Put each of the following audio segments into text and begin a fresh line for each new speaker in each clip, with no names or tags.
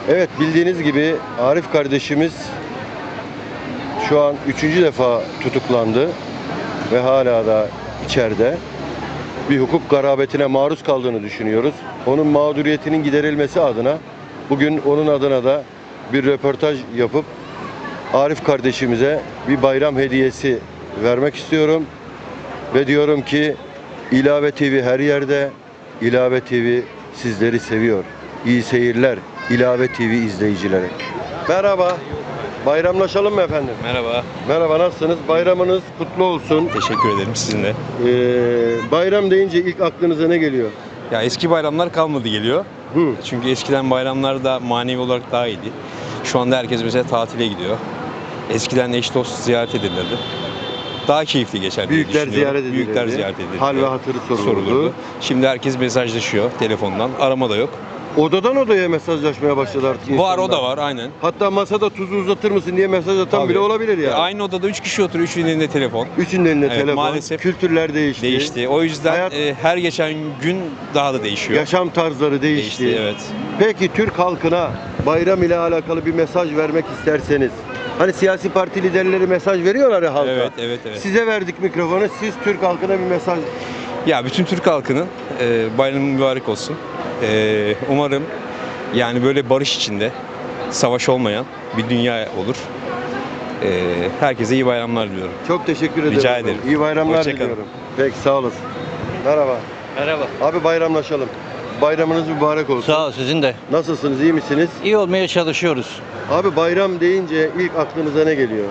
Evet, bildiğiniz gibi Arif kardeşimiz şu an 3. defa tutuklandı ve hala da içeride. Bir hukuk garabetine maruz kaldığını düşünüyoruz. Onun mağduriyetinin giderilmesi adına bugün onun adına da bir röportaj yapıp Arif kardeşimize bir bayram hediyesi vermek istiyorum. Ve diyorum ki İlave TV her yerde, İlave TV sizleri seviyor. İyi seyirler İlave TV izleyicileri. Merhaba. Bayramlaşalım mı efendim?
Merhaba.
Merhaba, nasılsınız? Bayramınız kutlu olsun.
Teşekkür ederim sizin de.
Bayram deyince ilk aklınıza ne geliyor?
Ya eski bayramlar kalmadı geliyor.
Hı.
Çünkü eskiden bayramlar da manevi olarak daha iyiydi. Şu anda herkes mesela tatile gidiyor. Eskiden eş dost ziyaret edilirdi. Daha keyifli geçer diye
Büyükler
düşünüyorum.
ziyaret edilirdi.
Büyükler ziyaret edilirdi.
Hal ve hatırı sorulurdu.
Şimdi herkes mesajlaşıyor telefondan. Arama da yok.
Odadan odaya mesajlaşmaya başladı artık insanlar.
Var, o da var aynen.
Hatta masada tuzu uzatır mısın diye mesaj atan
Tabii.
bile olabilir yani.
Aynı odada 3 kişi oturuyor, 3'ünün elinde telefon.
Üçünün elinde
Evet,
telefon.
maalesef
Kültürler değişti.
Değişti. O yüzden
Hayat-
her geçen gün daha da değişiyor.
Yaşam tarzları değişti.
Evet.
Peki Türk halkına bayram ile alakalı bir mesaj vermek isterseniz. Hani siyasi parti liderleri mesaj veriyorlar ya halka.
Evet.
Size verdik mikrofonu. Siz Türk halkına bir mesaj.
Ya bütün Türk halkının bayramı mübarek olsun. Umarım yani böyle barış içinde, savaş olmayan bir dünya olur. Herkese iyi bayramlar diliyorum.
Çok teşekkür ederim.
Rica ederim.
İyi bayramlar
Hoşça kalın.
diliyorum. Peki, sağ olasın. Merhaba.
Merhaba.
Abi, bayramlaşalım. Bayramınız mübarek olsun.
Sağ ol, sizin de.
Nasılsınız? İyi misiniz?
İyi olmaya çalışıyoruz.
Abi, bayram deyince ilk aklınıza ne geliyor?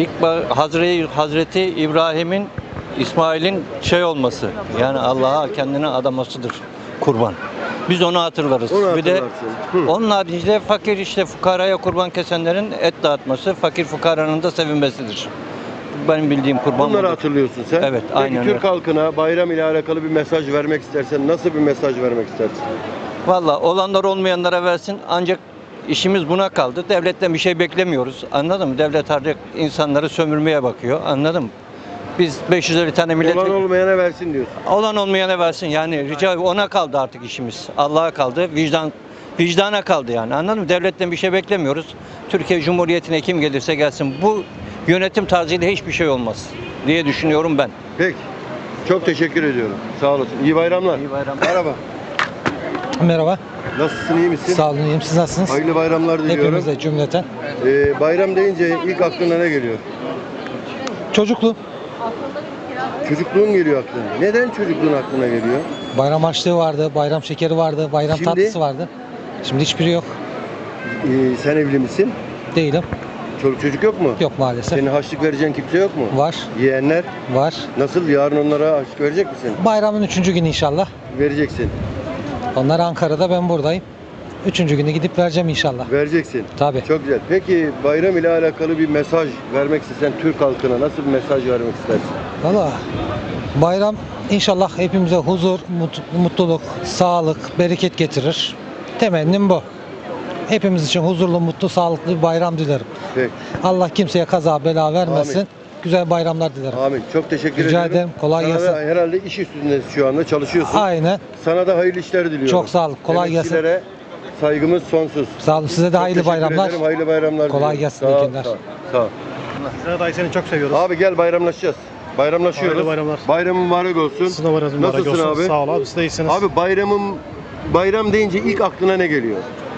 Hazreti İbrahim'in, İsmail'in olması. Yani Allah'a kendine adamasıdır kurban. Biz onu hatırlarız.
Onu
Bir de
hatırlarsın. Hı.
onun haricinde fakir fukaraya kurban kesenlerin et dağıtması, fakir fukaranın da sevinmesidir. Benim bildiğim kurban
Bunları
budur.
hatırlıyorsun sen.
Evet,
Peki
aynen
Türk
öyle.
halkına bayram ile alakalı bir mesaj vermek istersen nasıl bir mesaj vermek istersin?
Valla olanlar olmayanlara versin, ancak işimiz buna kaldı. Devletten bir şey beklemiyoruz. Anladın mı? Devlet artık insanları sömürmeye bakıyor. Anladın mı? Biz 550 tane millet...
Olan olmayana versin diyorsun.
Olan olmayana versin, yani rica, ona kaldı artık işimiz. Allah'a kaldı, vicdana kaldı yani, anladın mı? Devletten bir şey beklemiyoruz. Türkiye Cumhuriyeti'ne kim gelirse gelsin, bu yönetim tarzıyla hiçbir şey olmaz diye düşünüyorum ben.
Peki. Çok teşekkür ediyorum. Sağ olasın. İyi bayramlar.
İyi bayramlar.
Merhaba.
Merhaba,
Nasılsın? İyi misin?
sağ olun, iyiyim. Siz nasılsınız?
Hayırlı bayramlar diliyorum.
Hepimize cümleten.
Bayram deyince ilk aklına ne geliyor?
Çocukluğum,
Çocukluğun geliyor aklına. Neden çocukluğun aklına geliyor?
bayram harçlığı vardı, bayram şekeri vardı, bayram
Şimdi?
tatlısı vardı. Şimdi hiçbiri yok.
Sen evli misin?
Değilim.
Çoluk çocuk yok mu?
Yok maalesef.
Senin harçlık vereceğin kimse yok mu?
Var,
Yeğenler
var.
nasıl? Yarın onlara harçlık verecek misin?
Bayramın 3. günü inşallah.
Vereceksin.
Onlar Ankara'da, ben buradayım. 3. günü gidip vereceğim inşallah.
Vereceksin.
Tabii.
Çok güzel. Peki bayram ile alakalı bir mesaj vermek istesen Türk halkına nasıl bir mesaj vermek istersin?
Valla bayram inşallah hepimize huzur, mutluluk, sağlık, bereket getirir. Temennim bu. Hepimiz için huzurlu, mutlu, sağlıklı bir bayram dilerim.
Peki.
Allah kimseye kaza bela vermesin.
Amin.
Güzel bayramlar dilerim.
Amin. Çok teşekkür
Rica
ederim.
ederim. Kolay
Sana
gelsin.
da herhalde iş üstündesin şu anda, çalışıyorsun.
Aynen.
Sana da hayırlı işler diliyorum.
Çok sağ olun. Kolay gelsin.
Emekçilere saygımız sonsuz.
Sağ olun. Size de
Çok
hayırlı
teşekkür
bayramlar.
ederim, hayırlı bayramlar
Kolay
diliyorum.
gelsin,
Sağ
iyi
ol,
günler.
Sağ ol. Sağ ol.
Sedat dayı seni çok seviyoruz.
Abi gel, bayramlaşacağız. Bayramlaşıyoruz.
Hayırlı bayramlar.
Bayramın mübarek olsun.
Sizin de bayramınız mübarek
Nasılsın
olsun.
abi?
Sağ ol abi, siz de iyisiniz.
Abi, bayram deyince ilk aklına ne geliyor?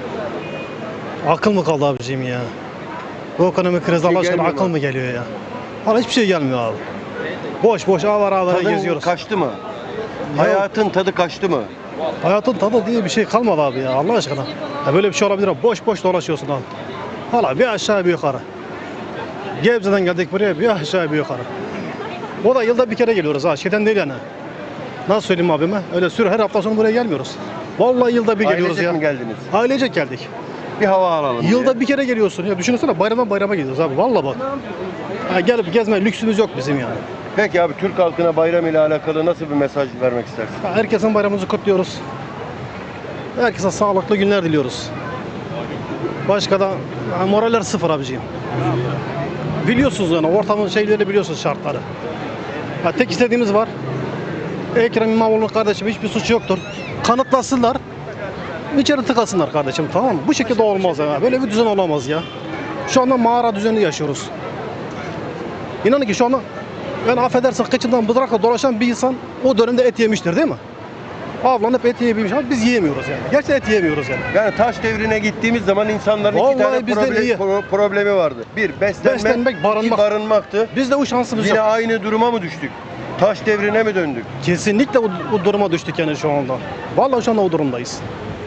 Akıl mı kaldı abiciğim ya? Bu ekonomik krizde Allah aşkına
gelmiyor
akıl
mu?
mı geliyor ya? Valla hiçbir şey gelmiyor abi. Boş boş avara
Tadın
geziyoruz.
kaçtı mı? Hayatın tadı kaçtı mı?
Hayatın tadı diye bir şey kalmadı abi ya, Allah aşkına. Ya böyle bir şey olabilir abi. Boş boş dolaşıyorsun abi. Valla bir aşağı bir yukarı. Gebze'den geldik buraya, bir aşağı bir yukarı. O da yılda bir kere geliyoruz ha, şeyden değil yani. Nasıl söyleyeyim abime? Öyle her hafta sonu buraya gelmiyoruz. Vallahi yılda bir geliyoruz
Ailecek
ya.
mi geldiniz?
Ailecek geldik.
Bir hava alalım
Yılda
diye.
bir kere geliyorsun ya, düşünsene bayramdan bayrama gidiyoruz abi, vallahi bak. Ha, gelip gezme lüksümüz yok bizim yani.
Peki abi, Türk halkına bayram ile alakalı nasıl bir mesaj vermek istersin?
Ha, herkesin bayramımızı kutluyoruz. Herkese sağlıklı günler diliyoruz. Başka da moraller sıfır abiciğim. Biliyorsunuz yani ortamın şeyleri, biliyorsunuz şartları. Ha, tek istediğimiz var. Ekrem İmamoğlu'nun kardeşim hiçbir suçu yoktur. Kanıtlasınlar. içeri tıkasınlar kardeşim, tamam mı? Bu şekilde olmaz ya. Böyle bir düzen olamaz ya. Şu anda mağara düzeni yaşıyoruz. İnanın ki şu anda yani affedersin kıçından bıdrakla dolaşan bir insan o dönemde et yemiştir değil mi? Avlanıp et yiyebilmiş ama biz yiyemiyoruz yani. Gerçekten et yiyemiyoruz yani.
Yani taş devrine gittiğimiz zaman insanların iki
Vallahi
tane
bizden iyi.
problemi vardı. Bir,
Beslenmek, barınmak.
iki, barınmaktı.
Biz de o şansımız
Yine
yok.
aynı duruma mı düştük? Taş devrine mi döndük?
Kesinlikle o duruma düştük yani şu anda. Vallahi şu anda o durumdayız.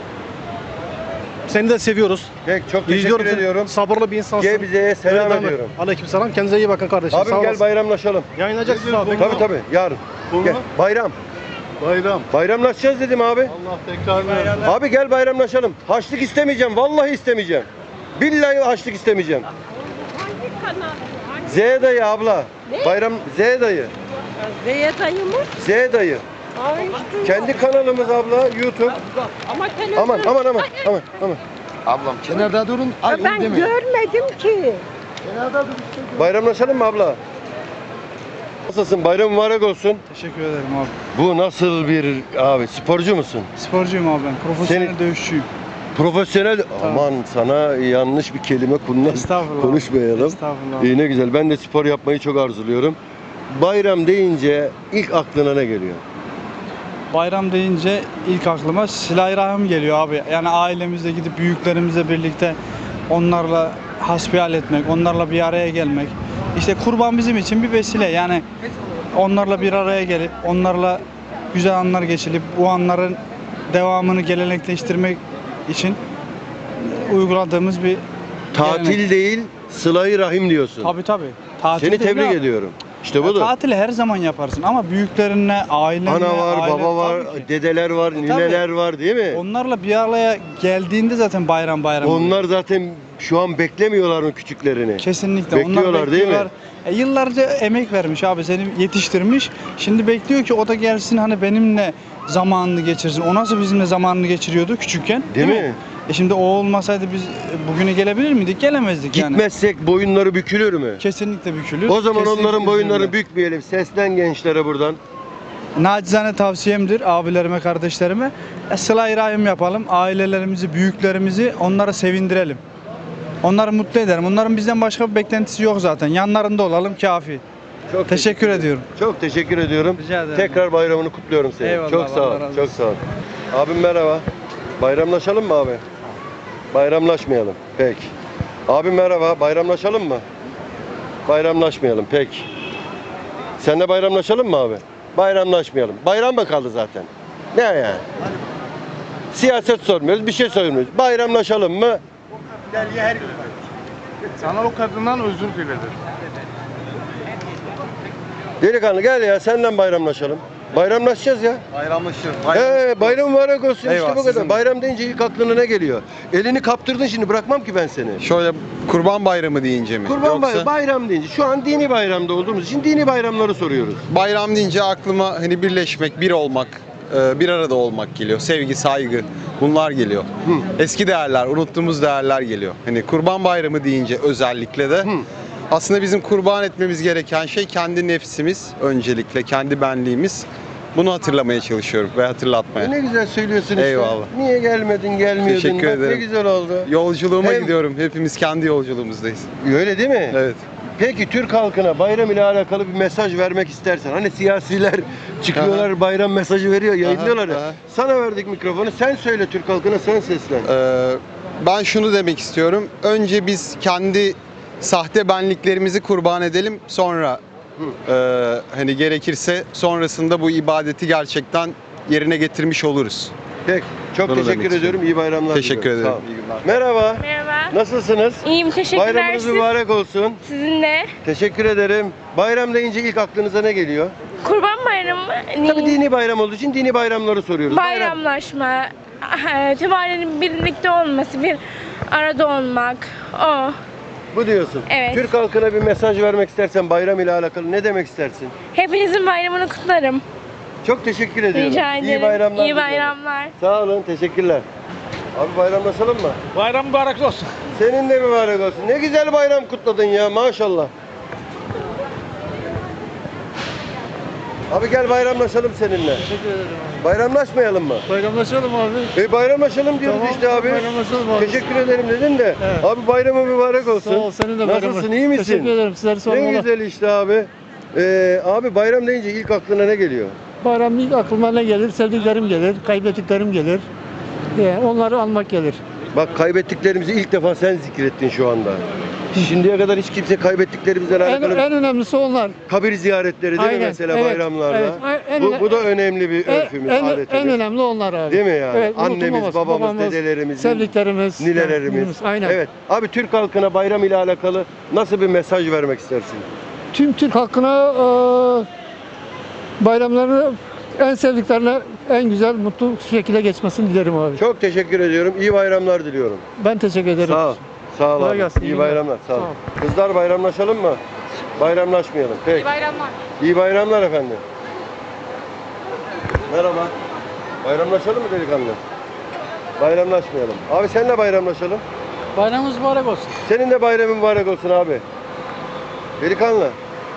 Seni de seviyoruz.
Peki, çok teşekkür
İzliyorum seni.
ediyorum.
Sabırlı bir insansın.
Gebze'ye selam
Öyle devam et.
ediyorum.
Aleykümselam. Kendinize iyi bakın kardeşim.
Abim
Sağ
gel
olasın.
bayramlaşalım.
Yayınlayacaksın abi.
Tabii yarın. Gel. Bayram.
Bayram.
Bayramlaşacağız dedim abi.
Allah tekrar versin.
Abi gel bayramlaşalım. Haçlık istemeyeceğim. Vallahi istemeyeceğim. Billahi haçlık istemeyeceğim. Z dayı abla.
Ne?
Bayram Z dayı.
Zeye dayı mı?
Z dayı.
Ay, hiç duymadım.
Kendi kanalımız abla YouTube.
Ama televizyon...
Aman.
Ablam kenarda durun.
Ya ben görmedim ki.
Bayramlaşalım mı abla? Nasılsın? Bayram mübarek olsun.
Teşekkür ederim abi.
Bu nasıl bir abi? Sporcu musun?
Sporcuyum abi ben. Profesyonel
Senin-
dövüşçüyüm.
Profesyonel. Aman sana yanlış bir kelime
Estağfurullah.
konuşmayalım.
Estağfurullah.
İyi ne güzel. Ben de spor yapmayı çok arzuluyorum. Bayram deyince ilk aklına ne geliyor?
Bayram deyince ilk aklıma Silah-ı geliyor abi. Yani ailemizle gidip büyüklerimizle birlikte onlarla hasbihal etmek, onlarla bir araya gelmek. İşte kurban bizim için bir vesile. Yani onlarla bir araya gelip, onlarla güzel anlar geçirip, bu anların devamını gelenekleştirmek için uyguladığımız bir
Tatil
gelenek.
değil, sıla-i rahim diyorsun.
Tabii. Tatil
Seni
değil
tebrik
abi.
ediyorum. İşte
Ya
budur.
tatili her zaman yaparsın ama büyüklerinle, ailenle,
Ana var,
aile-
baba var,
tabii ki.
dedeler var, nineler var değil mi?
Onlarla bir araya geldiğinde zaten bayram oluyor.
Onlar zaten şu an beklemiyorlar mı küçüklerini?
Kesinlikle.
Bekliyorlar
Onlar
değil mi?
bekliyorlar. Yıllarca emek vermiş abi, seni yetiştirmiş. Şimdi bekliyor ki o da gelsin hani benimle zamanını geçirsin. O nasıl bizimle zamanını geçiriyordu küçükken?
Değil mi?
Şimdi o olmasaydı biz bugüne gelebilir miydik? Gelemezdik yani.
Gitmezsek boyunları bükülür mü?
Kesinlikle bükülür.
O zaman
Kesinlikle
onların boyunlarını
bükülür.
bükmeyelim. Seslen gençlere buradan.
Nacizane tavsiyemdir abilerime, kardeşlerime. Sıla-i rahim yapalım. Ailelerimizi, büyüklerimizi onlara sevindirelim. Onları mutlu edelim. Onların bizden başka bir beklentisi yok zaten. Yanlarında olalım kafi.
Çok
Teşekkür ediyorum.
Çok teşekkür ediyorum.
Rica ederim.
Tekrar bayramını kutluyorum seni.
Eyvallah,
Çok sağ ol.
Allah razı
Çok
olsun.
sağ ol. Abim merhaba. Bayramlaşalım mı abi? Bayramlaşmayalım. Peki. Abim merhaba. Bayramlaşalım mı? Bayramlaşmayalım. Peki. Seninle bayramlaşalım mı abi? Bayramlaşmayalım. Bayram mı kaldı zaten? Ne yani? Siyaset sormuyoruz, bir şey sormuyoruz. Bayramlaşalım mı?
Sana o kadından özür diledim.
Delikanlı gel ya, seninle bayramlaşalım. Bayramlaşacağız ya.
Bayramlaşır.
Bayram mübarek olsun.
Eyvallah,
işte bu kadar.
sizin de.
Bayram deyince ilk aklına ne geliyor? Elini kaptırdın, şimdi bırakmam ki ben seni.
Şöyle Kurban Bayramı deyince mi?
Kurban bayramı, bayram deyince şu an dini bayramda olduğumuz için dini bayramları soruyoruz.
Bayram deyince aklıma hani birleşmek, bir olmak, bir arada olmak geliyor. Sevgi, saygı bunlar geliyor. Eski değerler, unuttuğumuz değerler geliyor. Hani Kurban Bayramı deyince özellikle de aslında bizim kurban etmemiz gereken şey kendi nefsimiz öncelikle, kendi benliğimiz. Bunu hatırlamaya çalışıyorum ve hatırlatmaya.
Ne güzel söylüyorsun işte.
Eyvallah.
Niye gelmedin, gelmiyordun?
Teşekkür
Bak
ederim.
Ne güzel oldu.
Yolculuğuma
Hem-
gidiyorum. Hepimiz kendi yolculuğumuzdayız.
Öyle değil mi?
Evet.
Peki Türk halkına bayram ile alakalı bir mesaj vermek istersen, hani siyasiler çıkıyorlar bayram mesajı veriyor, yayınlıyorlar ya.
aha.
Sana verdik mikrofonu, sen söyle Türk halkına, sen seslen.
Ben şunu demek istiyorum. Önce biz kendi sahte benliklerimizi kurban edelim. Sonra hani gerekirse sonrasında bu ibadeti gerçekten yerine getirmiş oluruz.
Peki, çok
Bunu
teşekkür
demek
ediyorum. İyi bayramlar
Teşekkür
diliyorum.
ederim.
Sağ ol.
İyi günler.
Merhaba.
Merhaba.
Nasılsınız?
İyiyim, teşekkürler.
Bayramınız
Siz-
mübarek olsun.
Sizin de.
Teşekkür ederim. Bayram deyince ilk aklınıza ne geliyor?
Kurban bayramı mı?
Tabii dini bayram olduğu için dini bayramları soruyoruz.
Bayramlaşma, tüm ailenin birlikte olması, bir arada olmak. O.
Bu diyorsun.
Evet.
Türk halkına bir mesaj vermek istersen bayram ile alakalı ne demek istersin?
Hepinizin bayramını kutlarım.
Çok teşekkür ediyorum.
Rica ederim.
İyi bayramlar.
İyi
diliyorum.
bayramlar.
Sağ olun, teşekkürler. Abi bayramlaşalım mı?
Bayram mübarek olsun.
Senin de mübarek olsun. Ne güzel bayram kutladın ya, maşallah. Abi gel bayramlaşalım seninle.
Teşekkür ederim abi.
Bayramlaşmayalım mı?
Bayramlaşalım abi.
Bayramlaşalım diyoruz
Tamam,
işte abi.
bayramlaşalım abi.
Teşekkür ederim dedin de.
Evet.
Abi bayramın mübarek olsun.
Sağ ol, senin de bayramın.
Nasılsın, iyi misin?
Teşekkür ederim, sizleri
Ne
sormalı.
güzel işte abi. Abi bayram deyince ilk aklına ne geliyor?
Bayram ilk aklıma ne gelir? Sevdiklerim gelir, kaybettiklerim gelir. Onları almak gelir.
Bak kaybettiklerimizi ilk defa sen zikrettin şu anda. Şimdiye kadar hiç kimse kaybettiklerimizle
En,
alakalı
en önemlisi onlar.
kabir ziyaretleri değil mi
Aynen,
mesela
evet,
bayramlarda?
evet.
Bu da önemli bir örfümüz, adetimiz.
En önemli onlar abi.
Değil mi yani?
Evet,
Annemiz,
unutulmaz.
babamız, dedelerimiz,
sevdiklerimiz,
ninelerimiz.
aynen.
Evet. Abi Türk halkına bayram ile alakalı nasıl bir mesaj vermek istersin?
Tüm Türk halkına bayramlarını en sevdiklerine en güzel, mutlu şekilde geçmesini dilerim abi.
Çok teşekkür ediyorum. İyi bayramlar diliyorum.
Ben teşekkür ederim.
Sağ ol. Sağ ol
Kolay
abi.
gelsin,
İyi
iyi günler.
bayramlar. Sağ ol.
Sağ ol.
Kızlar bayramlaşalım mı? Bayramlaşmayalım. Peki.
Bayramlar.
İyi bayramlar efendim. Merhaba. Bayramlaşalım mı delikanlı? Bayramlaşmayalım. Abi seninle bayramlaşalım.
Bayramınız mübarek olsun.
Senin de bayramın mübarek olsun abi. Delikanlı.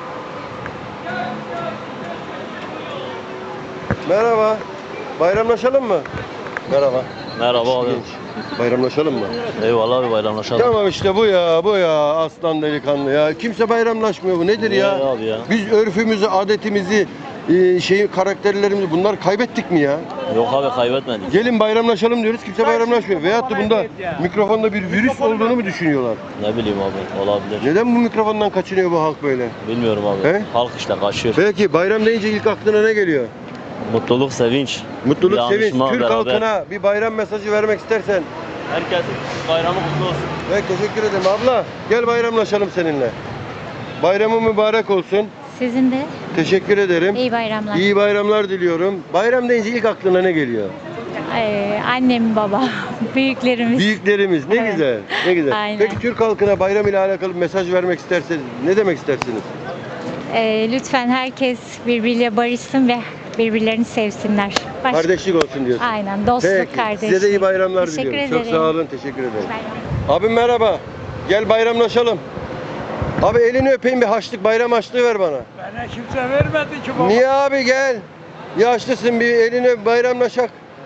Merhaba. Bayramlaşalım mı? Merhaba.
Merhaba abi.
Genç. Bayramlaşalım mı?
Eyvallah abi bayramlaşalım.
Tamam işte bu ya aslan delikanlı ya. Kimse bayramlaşmıyor, bu nedir ya?
Niye abi ya?
Biz örfümüzü, adetimizi, karakterlerimizi bunlar kaybettik mi ya?
Yok abi kaybetmedik.
Gelin bayramlaşalım diyoruz, kimse bayramlaşmıyor. Veyahut da bunda mikrofonda bir virüs olduğunu mu düşünüyorlar?
Ne bileyim abi olabilir.
Neden bu mikrofondan kaçınıyor bu halk böyle?
Bilmiyorum abi.
He?
Halk işte kaçıyor.
Peki bayram deyince ilk aklına ne geliyor?
Mutluluk, sevinç.
Mutluluk, sevinç.
Dayanışma
Türk
beraber.
halkına bir bayram mesajı vermek istersen.
Herkesin bayramı kutlu olsun.
Evet, teşekkür ederim abla. Gel bayramlaşalım seninle. Bayramın mübarek olsun.
Sizin de
Teşekkür ederim.
iyi bayramlar.
İyi bayramlar diliyorum. Bayram deyince ilk aklına ne geliyor?
Annem, baba, büyüklerimiz.
Büyüklerimiz. Ne
Evet.
güzel. Ne güzel.
Aynen.
Peki Türk halkına bayram ile alakalı bir mesaj vermek isterseniz ne demek istersiniz?
Lütfen herkes birbiriyle barışsın ve birbirlerini sevsinler.
Kardeşlik olsun diyorsun.
Aynen, dostluk,
Peki.
kardeşlik.
Size de iyi bayramlar
Teşekkür
diliyorum.
ederim.
Çok sağ olun. Teşekkür ederim.
Bayram.
Abim merhaba. Gel bayramlaşalım. Abi elini öpeyim, bir haçlık, bayram haçlığı ver bana.
Bana kimse vermedi ki baba.
Niye abi, gel. Yaşlısın, bir elini öp, bayramlaşak.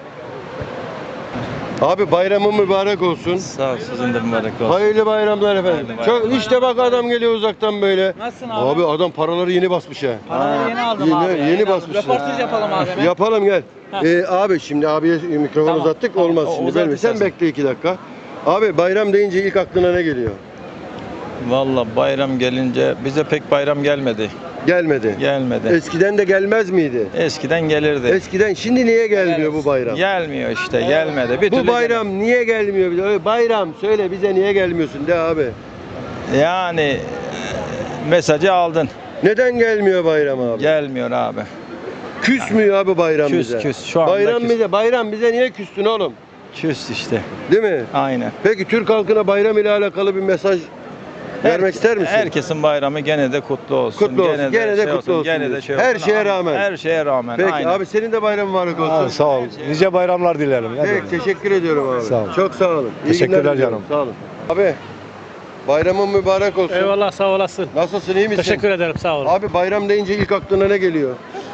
Abi bayramın mübarek olsun.
Sağ ol, sizin de mübarek olsun.
Hayırlı bayramlar efendim. Çok işte bak adam geliyor uzaktan böyle.
Nasılsın
Abi adam paraları yeni basmış ha.
Paraları yeni aldım abi.
Yeni basmış.
Röportaj yapalım abi.
Yapalım gel. Abi şimdi abiye mikrofonu
Tamam,
uzattık,
tamam.
olmaz
O
şimdi.
uzat
Sen
istersen.
bekle 2 dakika. Abi bayram deyince ilk aklına ne geliyor?
Valla bayram gelince bize pek bayram gelmedi.
Gelmedi.
Gelmedi.
Eskiden de gelmez miydi?
Eskiden gelirdi.
Eskiden, şimdi niye gelmiyor bu bayram?
Gelmiyor işte, gelmedi. Bir
Bu
türlü
bayram niye gelmiyor bize? Öyle bayram söyle bize, niye gelmiyorsun de abi.
yani mesajı aldın.
Neden gelmiyor bayram abi?
Gelmiyor abi.
Küsmüyor abi bayram
Küs,
bize.
küs. Şu anda
bayram
küs.
bize niye küstün oğlum?
Küs işte.
Değil mi?
Aynen.
Peki Türk halkına bayram ile alakalı bir mesaj vermek ister misin?
Herkesin bayramı gene de kutlu olsun.
Kutlu olsun, gene de kutlu olsun
Gene de
diyorsun.
şey
Her
olsun.
şeye rağmen.
Her şeye rağmen.
Peki
aynen.
abi senin de bayram mübarek olsun.
Sağ ol. Nice bayramlar dilerim.
Peki teşekkür ediyorum abi.
Sağ ol.
Çok sağ olun. İyi
Teşekkürler
günler diliyorum.
canım.
Sağ olun. Abi bayramın mübarek olsun.
Eyvallah, sağ olasın.
Nasılsın, iyi misin?
Teşekkür ederim, sağ olun.
Abi bayram deyince ilk aklına ne geliyor?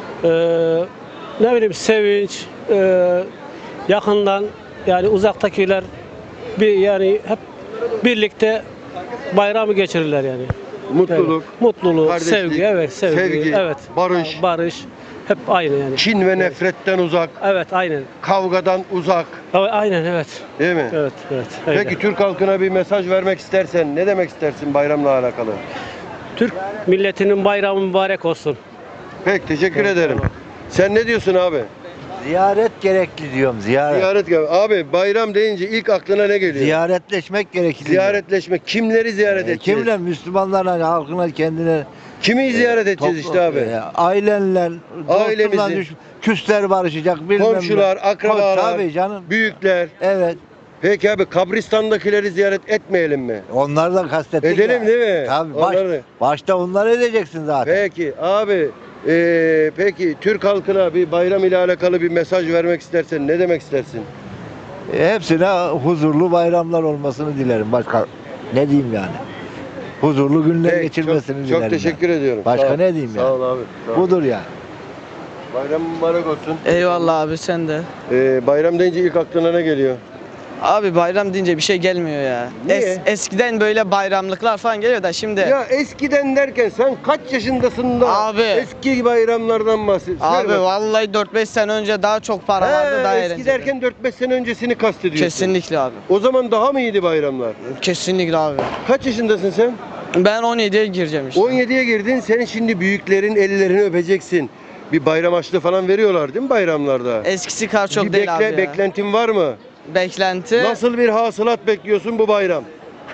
Ne bileyim, sevinç, yakından yani uzaktakiler yani hep birlikte bayramı geçirirler yani.
Mutluluk,
Mutluluk,
kardeşlik,
sevgi, evet, sevgi, evet.
barış,
Barış hep aynı yani.
kin ve nefretten uzak,
Evet, aynen.
kavgadan uzak,
Aynen, evet.
değil mi?
Evet, evet. Öyle.
Peki Türk halkına bir mesaj vermek istersen ne demek istersin bayramla alakalı?
Türk milletinin bayramı mübarek olsun.
Peki teşekkür ederim. Sen ne diyorsun abi?
Ziyaret gerekli diyorum.
Ziyaret gel. Abi bayram deyince ilk aklına ne geliyor?
Ziyaretleşmek gerekli.
Ziyaretleşmek. Kimleri ziyaret edeceğiz?
Kimle? Müslümanlarla, halkına, kendine.
Kimi ziyaret edeceğiz işte abi?
Ailenle,
Ailemizi.
dostlarla, küsler barışacak. Bilmem
Komşular,
ne.
akrabalar,
Tabii canım.
büyükler.
Evet.
Peki abi kabristandakileri ziyaret etmeyelim mi?
Onları da kastettik
Edelim
ya.
değil mi?
Tabii.
Onları.
Başta onları edeceksin zaten.
Peki abi peki Türk halkına bir bayram ile alakalı bir mesaj vermek istersen ne demek istersin?
Hepsine huzurlu bayramlar olmasını dilerim. Başka ne diyeyim yani? Huzurlu günler
Peki,
geçirmesini
çok,
dilerim.
çok teşekkür ediyorum.
Başka
Sağ ol.
ne diyeyim
Sağ
yani?
ol abi. Sağ ol.
Budur yani.
Bayram mübarek olsun.
Eyvallah abi sen de.
Bayram deyince ilk aklına ne geliyor?
Abi bayram deyince bir şey gelmiyor ya.
Niye?
Eskiden böyle bayramlıklar falan geliyor da şimdi.
Ya eskiden derken sen kaç yaşındasın da
Abi.
eski bayramlardan bahsediyorsun?
Abi
Söyle bak.
vallahi 4-5 sene önce daha çok para vardı, daha
Eski
eğlenceli.
derken 4-5 sene öncesini kastediyorsun.
Kesinlikle abi.
O zaman daha mı iyiydi bayramlar?
Kesinlikle abi.
Kaç yaşındasın sen?
Ben 17'ye gireceğim işte.
17'ye girdin. Sen şimdi büyüklerin ellerini öpeceksin. Bir bayram harçlığı falan veriyorlar değil mi bayramlarda?
Eskisi kadar çok
Bir
değil abi ya.
beklentin var mı?
Beklenti.
Nasıl bir hasılat bekliyorsun bu bayram?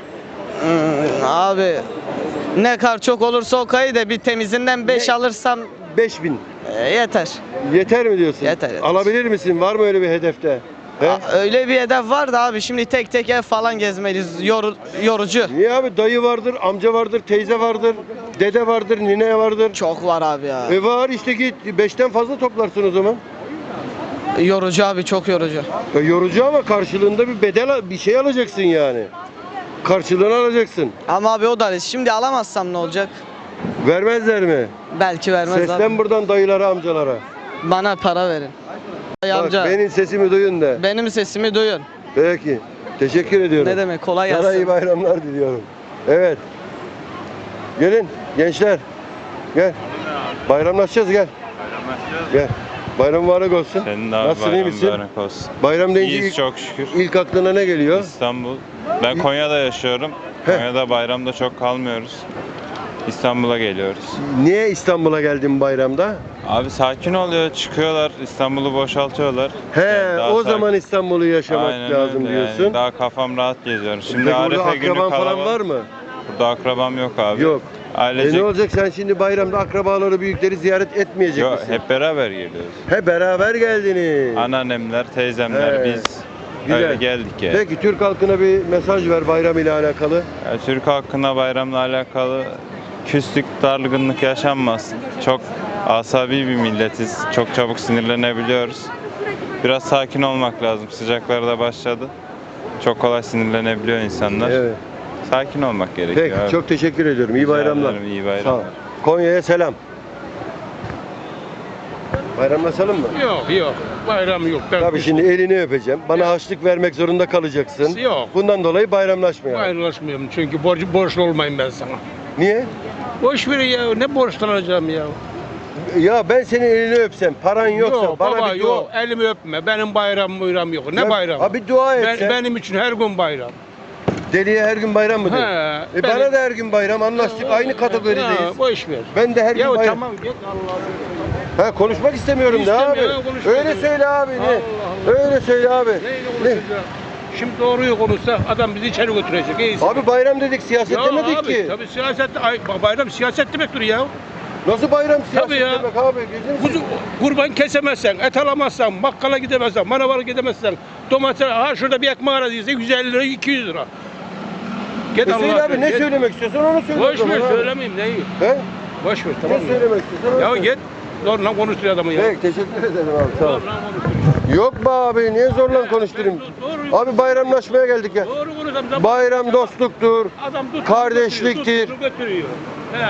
Abi ne kadar çok olursa o kayı da bir temizinden 5 alırsam
5000.
Yeter.
Yeter mi diyorsun?
Yeter.
Alabilir misin? Var mı öyle bir hedefte? He?
Öyle bir hedef var da abi şimdi tek tek ev falan gezmeliyiz. Yorucu.
Niye abi? Dayı vardır, amca vardır, teyze vardır, dede vardır, nine vardır.
Çok var abi ya.
Var işte git 5'ten fazla toplarsın o zaman.
Yorucu abi, çok yorucu.
Yorucu ama karşılığında bir bedel, bir şey alacaksın yani. Karşılığını alacaksın.
Ama abi o da şimdi alamazsam ne olacak?
Vermezler mi?
Belki vermez
Seslen
abi.
buradan dayılara, amcalara.
Bana para verin. Ay
Bak,
amca,
benim sesimi duyun de.
benim sesimi duyun.
Peki. Teşekkür ediyorum.
Ne demek, kolay
Sana iyi
gelsin.
bayramlar diliyorum. Evet. Gelin gençler. Gel. Bayramlaşacağız gel. Gel. Bayram mübarek olsun.
Senin de abi
Nasılsın, iyi
bayram
misin?
mübarek olsun.
Bayram deyince
İyiyiz
ilk,
çok şükür.
ilk aklına ne geliyor?
İstanbul. Ben Konya'da yaşıyorum. Konya'da bayramda çok kalmıyoruz. İstanbul'a geliyoruz.
Niye İstanbul'a geldin bayramda?
Abi sakin oluyor, çıkıyorlar, İstanbul'u boşaltıyorlar.
He,
Yani daha
o
sakin.
zaman İstanbul'u yaşamak
Aynen
lazım
öyle
diyorsun.
Yani. Daha kafam rahat geziyorum. Şimdi
Peki burada
Arefe günü
akraban
kalabalık.
falan var mı?
Burada akrabam yok abi.
Yok.
Ailecek.
Ne olacak, sen şimdi bayramda akrabaları, büyükleri ziyaret etmeyecek
Yok,
misin?
hep beraber geliyoruz.
He, beraber geldiniz.
Anneannemler, teyzemler,
He,
biz
güzel.
öyle geldik yani.
Peki Türk halkına bir mesaj ver bayram ile alakalı.
Ya, Türk halkına bayramla alakalı küslük, dargınlık yaşanmasın. Çok asabi bir milletiz. Çok çabuk sinirlenebiliyoruz. Biraz sakin olmak lazım. Sıcaklar da başladı. Çok kolay sinirlenebiliyor insanlar.
Evet.
Sakin olmak gerekiyor.
Peki
abi.
çok teşekkür ediyorum. İyi
Rica
bayramlar.
ederim, iyi
Sağ ol.
bayramlar.
Konya'ya selam. Bayramlaşalım mı?
Yok bayram yok.
Tabii şimdi elini öpeceğim. Bana harçlık vermek zorunda kalacaksın.
Yok.
Bundan dolayı bayramlaşmayalım.
Bayramlaşmıyorum çünkü borçlu olmayayım ben sana.
Niye?
Boş ver ya, ne borçlanacağım ya.
Ya ben senin elini öpsem, paran yoksa
Yok
bana
baba
bir dua...
yok, elimi öpme. Benim bayram yok. Ne
Ya,
bayram?
abi dua et sen.
Benim için her gün bayram.
Deliye her gün bayram mı
He,
dedin? Bana da her gün bayram, anlaştık, aynı kategorideyiz.
Ha, boş ver.
Ben de her gün
Ya
bayram.
tamam git Allah'ım.
Ha, konuşmak istemiyorum da abi.
İstemiyorum, konuşmak
Öyle
istemiyorum.
söyle abi.
Allah Allah.
Öyle söyle abi.
Neyle konuşacağım? Şimdi doğruyu konuşsa adam bizi içeri götürecek. İyisi.
Abi bayram dedik, siyaset
Ya
demedik
abi,
ki.
tabii siyaset, bayram siyaset demektir ya.
Nasıl bayram siyaset
Tabii ya.
demek abi? Gözünü
Kurban kesemezsen, et alamazsan, bakkala gidemezsen, manavara gidemezsen, domates, ha şurada bir ekmek aradıysa 150 lira, 200 lira. Git
Söyle
Allah'a
abi, ne
git.
söylemek istiyorsan onu söyle.
Boş
o zaman
ver,
abi.
söylemeyeyim neyi.
He?
Boş ver, tamam
Ne
mı?
söylemek istiyorsan onu
Ya
söyle.
git, zorla konuştur adamı ya.
Peki, teşekkür ederim abi, sağ ol.
Zorla konuştur.
Yok be abi, niye zorla konuşturayım?
Doğru,
Abi bayramlaşmaya geldik ya.
doğru konuşalım.
Bayram dostluktur,
Adam tuttu,
kardeşliktir.
tuttu, götürüyor. He.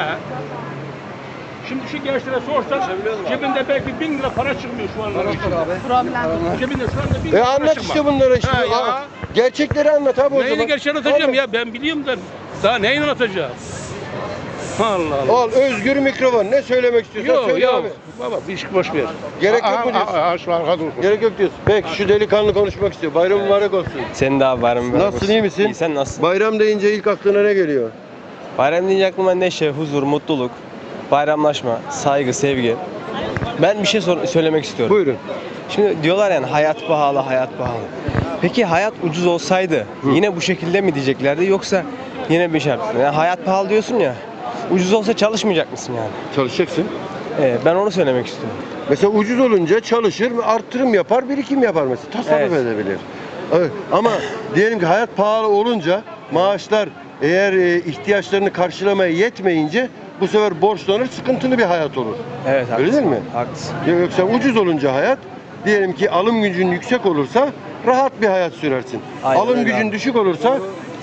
Şimdi şu gençlere sorsan cebinde belki 1000 lira para çıkmıyor şu anda. Problem. Cebinde şu anda 1000 lira para
Anlat
çıkmaz.
işte bunları işte.
Ha, ya.
Aa, gerçekleri anlat abi o zaman.
Neyini gerçeği anlatacağım
Al,
ya, ben biliyorum da daha neyi anlatacağım? Allah Allah.
Al özgür mikrofon, ne söylemek istiyorsan
Yok
söyle
yok.
abi.
Baba bir iş boş ver.
Gerek yok mu diyorsun?
Şu arka dur.
Gerek yok diyorsun. Peki şu delikanlı konuşmak istiyor. Bayram mübarek olsun.
Senin de abi bayram mübarek
Nasılsın,
olsun.
iyi misin?
İyi, sen nasılsın?
Bayram deyince ilk aklına ne geliyor?
Bayram deyince aklıma neşe, huzur, mutluluk, bayramlaşma, saygı, sevgi. Ben bir şey söylemek istiyorum.
Buyurun.
Şimdi diyorlar yani hayat pahalı, hayat pahalı. Peki hayat ucuz olsaydı yine bu şekilde mi diyeceklerdi yoksa yine bir şey yapsın? Yani hayat pahalı diyorsun ya, ucuz olsa çalışmayacak mısın yani?
Çalışacaksın.
Ben onu söylemek istiyorum.
Mesela ucuz olunca çalışır, arttırım yapar, birikim yapar mesela. Tasarruf
Evet.
edebilir. Evet. Ama diyelim ki hayat pahalı olunca maaşlar eğer ihtiyaçlarını karşılamaya yetmeyince bu sefer borçlanır, sıkıntılı bir hayat olur.
Evet,
Öyle
haklısın.
değil mi?
Haklısın.
Yoksa ucuz olunca hayat, diyelim ki alım gücün yüksek olursa rahat bir hayat sürersin.
Aynen
Alım
öyle
gücün
abi.
düşük olursa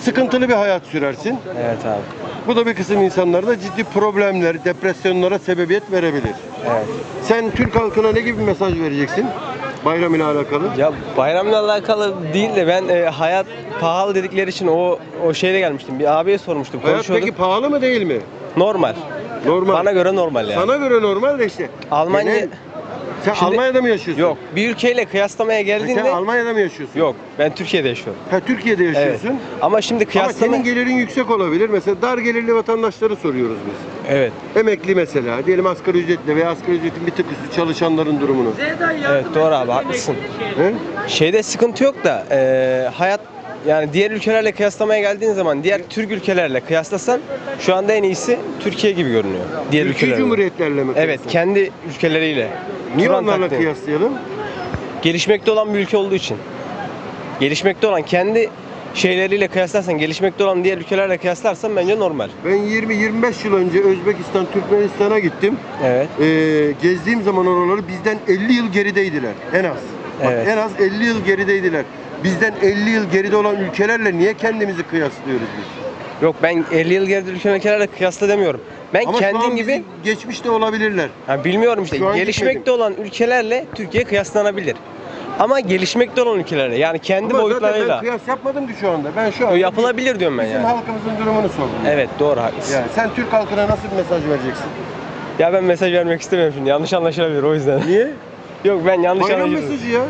sıkıntılı bir hayat sürersin.
Evet abi.
Bu da bir kısım insanlarda ciddi problemler, depresyonlara sebebiyet verebilir.
Evet.
Sen Türk halkına ne gibi bir mesaj vereceksin bayram ile alakalı?
Ya bayramla alakalı değil de ben hayat pahalı dedikleri için o şeyle gelmiştim. Bir abiye sormuştum.
Hayat
Konuşuyorduk.
peki pahalı mı değil mi?
Normal.
Normal.
Bana göre normal yani.
Sana göre normal de işte.
Almanya...
Genel- Sen
Şimdi-
Almanya'da mı yaşıyorsun?
Yok. Bir ülkeyle kıyaslamaya
Sen
geldiğinde...
Almanya'da mı yaşıyorsun?
Yok. Ben Türkiye'de yaşıyorum.
Ha, Türkiye'de yaşıyorsun.
Evet. Ama şimdi
Ama
kıyaslama...
senin gelirin yüksek olabilir. Mesela dar gelirli vatandaşları soruyoruz biz.
Evet.
Emekli mesela. Diyelim asgari ücretle veya asgari ücretin bir tık üstü çalışanların durumunu.
Evet doğru abi haklısın.
He?
Şeyde sıkıntı yok da hayat yani diğer ülkelerle kıyaslamaya geldiğin zaman diğer Türk ülkelerle kıyaslasan şu anda en iyisi Türkiye gibi görünüyor. Diğer
Türkiye
ülkelerle.
Cumhuriyetlerle mi?
Evet
kıyasladın?
kendi ülkeleriyle.
Niye
Turan
onlarla
taktiği.
kıyaslayalım?
Gelişmekte olan bir ülke olduğu için. Gelişmekte olan kendi şeyleriyle kıyaslarsan, gelişmekte olan diğer ülkelerle kıyaslarsan bence normal.
Ben 20-25 yıl önce Özbekistan, Türkmenistan'a gittim.
Evet.
Gezdiğim zaman oraları bizden 50 yıl gerideydiler en az. Bak,
Evet.
en az 50 yıl gerideydiler. Bizden 50 yıl geride olan ülkelerle niye kendimizi kıyaslıyoruz biz?
Yok ben 50 yıl geride ülkelerle kıyasla demiyorum. Ben
Ama şu
kendim
an
gibi
bizim geçmişte olabilirler.
bilmiyorum işte
Şu an
gelişmekte
gitmedim.
olan ülkelerle Türkiye kıyaslanabilir. Ama gelişmekte olan ülkelerle yani kendi
Ama zaten
boyutlarıyla
ben kıyas yapmadım ki şu anda. Ben şu anda
yapılabilir diyorum ben
bizim
yani.
halkımızın durumunu sordum.
Evet doğru haklısın.
Yani sen Türk halkına nasıl bir mesaj vereceksin?
Ya ben mesaj vermek istemiyorum şimdi yanlış anlaşılabilir o yüzden.
Niye?
Yok ben yanlış
Bayram
anlaşılır.
mesajı ya.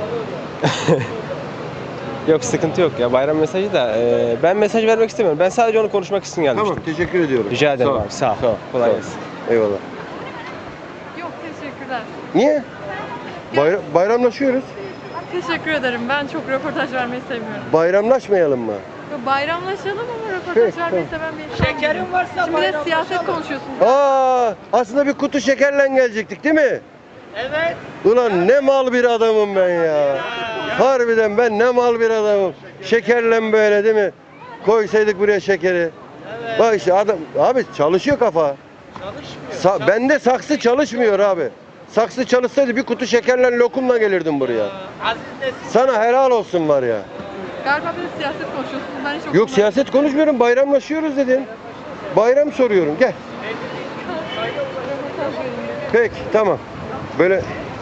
Yok sıkıntı yok ya bayram mesajı da ben mesaj vermek istemiyorum. Ben sadece onu konuşmak için gelmiştim.
Tamam, teşekkür ediyorum.
Rica ederim
Sağ ol.
abi sağ ol.
Sağ ol.
Kolay
Sağ ol.
gelsin.
Eyvallah.
Yok teşekkürler.
Niye? Bayramlaşıyoruz.
Teşekkür ederim. Ben çok röportaj vermeyi sevmiyorum.
Bayramlaşmayalım mı?
Bayramlaşalım ama
Peki,
röportaj vermeyi seven bir insan. Şekerim varsa şimdi de siyaset konuşuyorsunuz.
Aslında bir kutu şekerle gelecektik değil mi?
Evet.
Ulan ne mal bir adamım ben ya. Harbiden ben ne mal bir adamım. Şekerle böyle değil mi? Koysaydık buraya şekeri. Bak işte adam abi çalışıyor kafa. Bende saksı çalışmıyor abi. Saksı çalışsaydı bir kutu şekerle lokumla gelirdim buraya. Sana helal olsun var ya.
Galiba bir de siyaset konuşuyorsunuz. Ben hiç
Yok siyaset konuşmuyorum, bayramlaşıyoruz dedin. Bayram soruyorum, gel. Peki, tamam. Böyle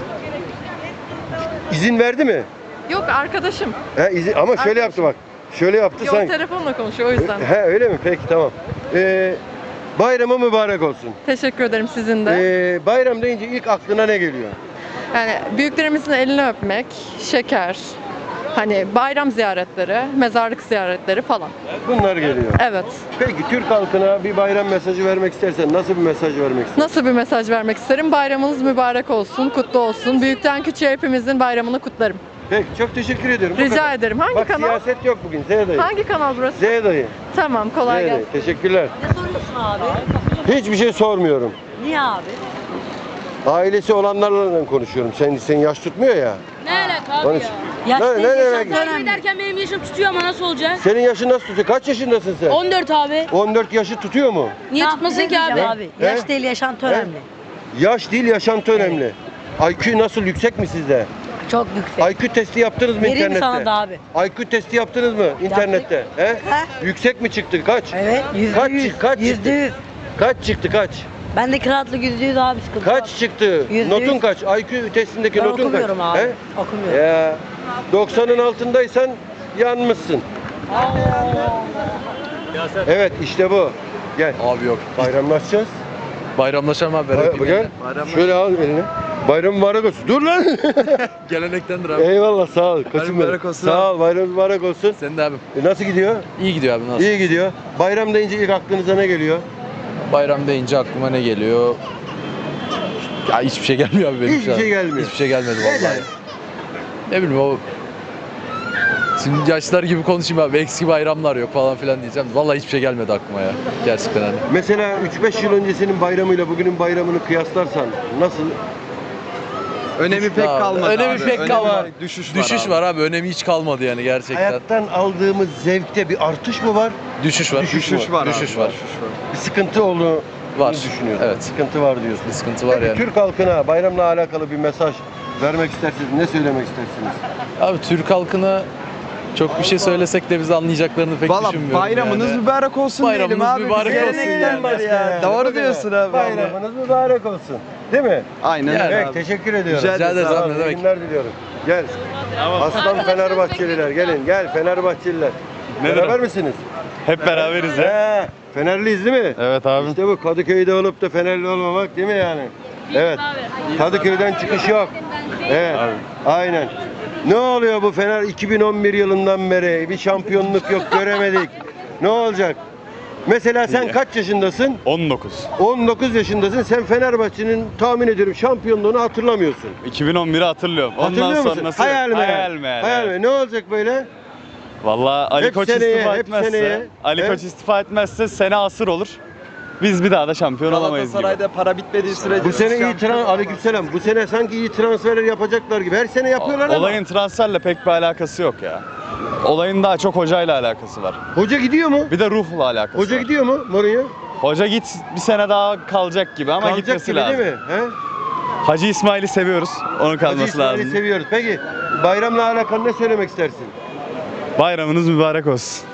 izin verdi mi?
Yok arkadaşım.
Ama şöyle yaptı bak. Şöyle yaptı
Yok
sanki.
telefonla konuşuyor o yüzden.
Öyle mi? Peki tamam. Bayramı mübarek olsun.
Teşekkür ederim sizin de.
Bayram deyince ilk aklına ne geliyor?
Yani büyüklerimizin elini öpmek, şeker, hani bayram ziyaretleri, mezarlık ziyaretleri falan.
Bunlar geliyor.
Evet.
Peki Türk halkına bir bayram mesajı vermek istersen nasıl bir mesaj vermek istersin?
Nasıl bir mesaj vermek isterim? Bayramınız mübarek olsun, kutlu olsun. Büyükten küçüğe hepimizin bayramını kutlarım.
Peki çok teşekkür ediyorum. Bu
Rica
kadar.
ederim. Hangi
Bak,
kanal?
siyaset yok bugün. Z dayı.
Hangi kanal burası?
Z dayı.
Tamam, kolay
Z
gelsin.
dayı. Teşekkürler.
Ne soruyorsun abi?
Hiçbir şey sormuyorum.
Niye abi?
Ailesi olanlarla konuşuyorum. Sen yaş tutmuyor ya.
Ne alaka
Onun
abi
için-
ya?
Ne demek?
Kaybederken benim yaşım tutuyor ama nasıl olacak?
Senin yaşın nasıl tutuyor? Kaç yaşındasın sen?
14 abi.
14 yaşı tutuyor mu?
Niye tutmasın ki abi?
He?
Yaş değil yaşantı önemli.
Yaş değil, yaşantı önemli. IQ nasıl, yüksek mi sizde?
Çok yüksek.
IQ testi yaptınız mı
Vereyim
internette?
sana da abi.
IQ testi yaptınız mı internette? He? Yüksek mi çıktı? Kaç?
Evet, %100.
Kaç çıktı?
%100.
Kaç çıktı kaç?
Ben de kıraatlık %100 abi sıkıntı yok.
Kaç çıktı?
%100.
Notun kaç? IQ testindeki
Ben
notun kaç?
okumuyorum abi.
He?
Okumuyorum.
Ya 90'ın altındaysan yanmışsın. Evet işte bu. Gel.
Abi yok.
Bayramlaşacağız.
Bayramlaşalım abi.
Gel. Şöyle al elini. Bayram mübarek olsun. Dur lan.
Gelenektendir abi.
Eyvallah sağ ol. Koçum
mübarek
benim.
olsun
Sağ
abi.
ol. Bayram mübarek olsun.
Senin de abim.
Nasıl gidiyor?
İyi gidiyor abi nasıl?
İyi gidiyor. Bayram deyince ilk aklınıza ne geliyor?
Bayram deyince aklıma ne geliyor? Ya hiçbir şey gelmiyor abi benim
Hiçbir
şu an.
şey gelmiyor.
Hiçbir şey gelmedi vallahi. Ne bileyim o şimdi yaşlar gibi konuşayım abi. Eski bayramlar yok falan filan diyeceğim. Vallahi hiçbir şey gelmedi aklıma ya. Gerçekten hani.
Mesela 3-5 yıl öncesinin bayramıyla bugünün bayramını kıyaslarsan nasıl?
Önemi pek
Ya,
kalmadı
önemi
abi.
pek kalmadı.
Düşüş var
abi. Önemi hiç kalmadı yani gerçekten.
Hayattan aldığımız zevkte bir artış mı var?
Düşüş var.
Düşüş
var abi.
Düşüş var.
Bir sıkıntı olduğunu
Var.
düşünüyorsun.
Evet.
Sıkıntı var diyorsun.
Bir sıkıntı var
Peki
yani.
Türk halkına bayramla alakalı bir mesaj vermek isterseniz ne söylemek istersiniz?
Abi Türk halkına Çok bir şey söylesek de bizi anlayacaklarını pek
Valla
düşünmüyorum
bayramınız
yani.
mübarek olsun diyelim
Bayramınız
abi.
mübarek
Biz
olsun
gelenekten
yani.
var ya. Doğru diyorsun abi.
Bayramınız mübarek olsun. Değil mi?
Aynen öyle
Evet,
abi.
teşekkür ediyorum.
Rica ederiz
Sağ
abi,
olun,
ne demek.
iyi günler diliyorum. Gel. Aslan Fenerbahçeliler gelin. Gel Fenerbahçeliler. Beraber misiniz?
Hep beraberiz ya.
He, Fenerliyiz değil mi?
Evet abi.
İşte bu Kadıköy'de olup da Fenerli olmamak değil mi yani? Evet. Kadıköy'den çıkış yok. Evet. Aynen. Ne oluyor bu Fener 2011 yılından beri bir şampiyonluk yok göremedik. Ne olacak? Mesela sen kaç yaşındasın?
19.
19 yaşındasın. Sen Fenerbahçe'nin tahmin ediyorum şampiyonluğunu hatırlamıyorsun.
2011'i hatırlıyorum.
Hatırlıyor musun? Hayal mi? Hayal mi? Ne olacak böyle?
Vallahi Ali
Hep
Koç
seneye,
istifa
hep
etmezse,
seneye.
Ali
He?
Koç istifa etmezse sene asır olur. Biz bir daha da şampiyon olamayız gibi.
Galatasaray'da para bitmediği sürece.
Bu sene iyi aleykümselam. Bu sene sanki iyi transferler yapacaklar gibi. Her sene yapıyorlar ama.
Olayın transferle pek bir alakası yok ya. Olayın daha çok hocayla alakası var.
Hoca gidiyor mu?
Bir de ruhla alakası
Hoca
var.
gidiyor mu Mourinho?
Hoca git bir sene daha kalacak gibi ama
Kalacak
gitmesi
gibi
lazım.
değil mi? He?
Hacı İsmail'i seviyoruz. Onun
Hacı
kalması
İsmail'i
lazım.
seviyoruz. Peki bayramla alakalı ne söylemek istersin?
Bayramınız mübarek olsun.